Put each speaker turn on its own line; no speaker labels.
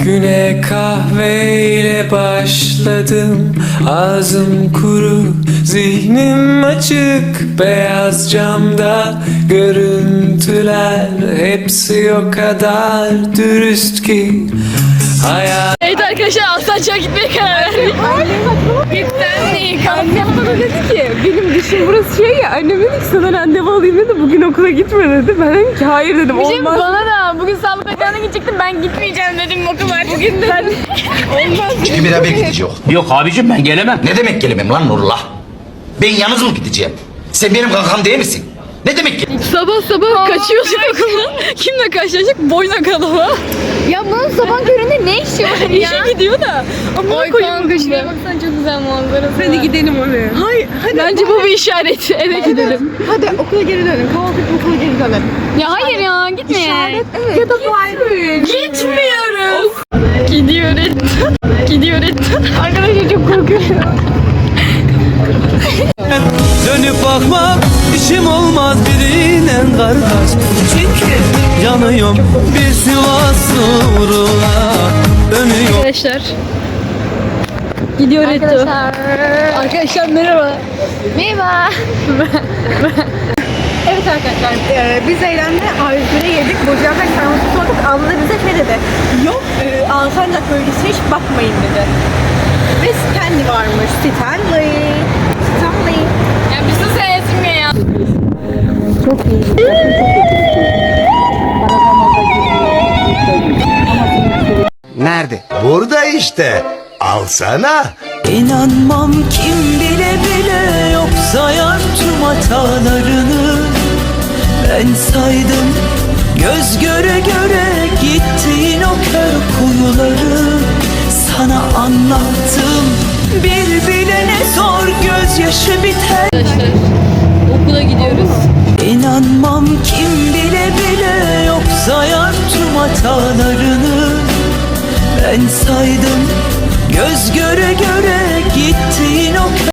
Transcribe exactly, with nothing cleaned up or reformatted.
Güne kahveyle başladım. Ağzım kuru, zihnim açık. Beyaz camda görüntüler, hepsi o kadar dürüst ki. Hayat.
Evet arkadaşlar, Alsancak'a gitmeye karar verdik. Gitten değil.
Annem bana dedi ki benim dişim burası şey ya, annem dedi ki sana randevu alayım dedi, bugün okula gitme dedi. Ben dedim ki hayır dedim,
Bir şey mi?
olmaz.
Bana da bugün sağlık ocağına gidecektim, ben gitmeyeceğim dedim, okul var bugün dedim.
Olmaz
Çünkü beraber gidecek.
Yok abicim ben gelemem.
Ne demek gelemem lan Nurullah? Ben yalnız mı gideceğim? Sen benim kankam değil misin? Ne demek ki?
Sabah sabah kaçıyorsun okuldan. Kimle karşılaştık? Boyna kalama.
Ya bunun sabah köründe ne işi var ya?
İşe gidiyor da. Ama
Oy kanka şuraya baksana, çok güzel manzarası
Hadi
var.
gidelim oraya. Hayır hadi.
Bence bu bir işaret. Eve gidelim.
Hadi okula geri dönelim. Kahvaltı edip okula geri dönelim.
Ya hayır ya, gitmeyelim.
Evet. Ya da bari.
Gitmiyoruz. Gidiyoruz. Gidiyoruz. Arkadaşlar çok korkuyorum.
Dönüp bakmak işim olmaz birinin kardeş. Çünkü yanıyorum bir Sivas uğruna. Dönüyorum.
Arkadaşlar. Gidiyor Eto.
Arkadaşlar.
Arkadaşlar merhaba.
Merhaba.
Evet arkadaşlar, e, biz Eylem'le A yüz bire yedik. Burcu'ya sarması sorduk. Abla da bize şey dedi. Yok, e, Alsancak bölgesi hiç bakmayın dedi. Ve Stanley varmış. Stanley. Stanley.
Ya bir sus Esmi ya.
Nerede? Burada işte. Alsana.
İnanmam kim bile bile yok sayar tüm hatalarını. Ben saydım göz göre göre gittiğin o kör kuyuları. Sana anlattım bir bilene zor gözyaşı biter.
Arkadaşlar okula gidiyoruz.
İnanmam kim bile bile yok sayar tüm hatalarını. Ben saydım göz göre göre gittiğin o